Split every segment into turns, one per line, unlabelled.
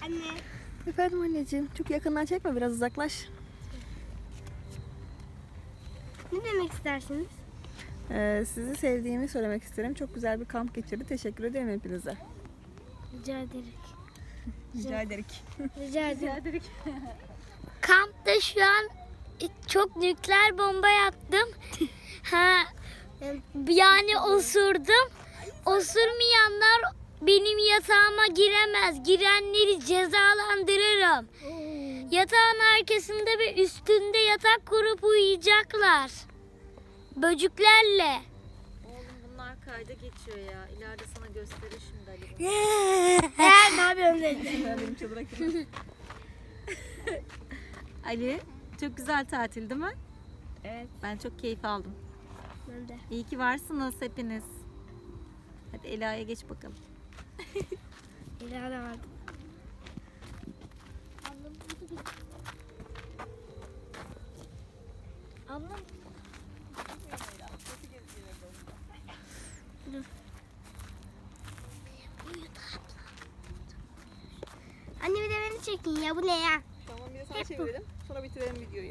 Anne.
Efendim anneciğim, çok yakından çekme, biraz uzaklaş.
Ne demek istersiniz?
Sizi sevdiğimi söylemek isterim. Çok güzel bir kamp geçirdi. Teşekkür ederim hepinize.
Rica ederim.
Rica ederim.
Rica ederim.
Kampta şu an çok nükleer bomba yaptım. Ha, yani osurdum. Osurmayanlar benim yatağıma giremez. Girenleri cezalandırırım. Yatağın arkasında ve üstünde yatak kurup uyuyacaklar. Böcüklerle.
Oğlum bunlar kayda geçiyor ya. İleride sana gösterir şimdi Ali.
Ne yapıyorsun dedi.
Benim çadıra girme.
Ali, çok güzel tatil değil mi?
Evet.
Ben çok keyif aldım.
Ben de.
İyi ki varsınız hepiniz. Hadi Ela'ya geç bakalım.
İleride vardı.
Ablam
Anne bir de beni çekin ya, bu ne ya?
Tamam, bir de sana çevirelim. Sonra bitirelim videoyu.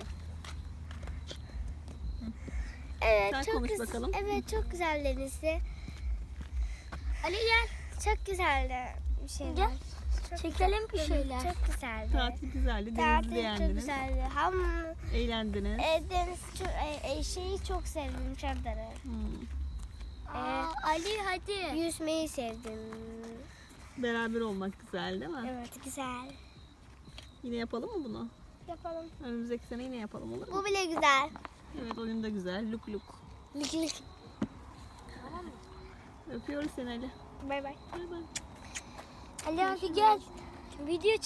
Evet,
Sen
çok
konuş bakalım.
Evet, çok güzel denizdi. Ali gel. Çok güzeldi bir şeyler.
Gel. Çekelim bir şeyler.
Çok güzeldi.
Tatil güzeldi. Denizi
Tatil çok
beğendiniz.
güzeldi. Ham
Eğlendiniz.
deniz şeyi çok sevdim, çadırı.
Ali hadi.
Yüzmeyi sevdim.
Beraber olmak güzel değil mi?
Evet, güzel.
Yine yapalım mı bunu?
Yapalım.
Önümüzdeki sene yine yapalım, olur mu?
Bu bile güzel.
Evet, oyun da güzel. Luk luk.
Lik lik.
Öpüyoruz seni Ali.
Bay bay.
Bay bay.
Ali hadi gel. Video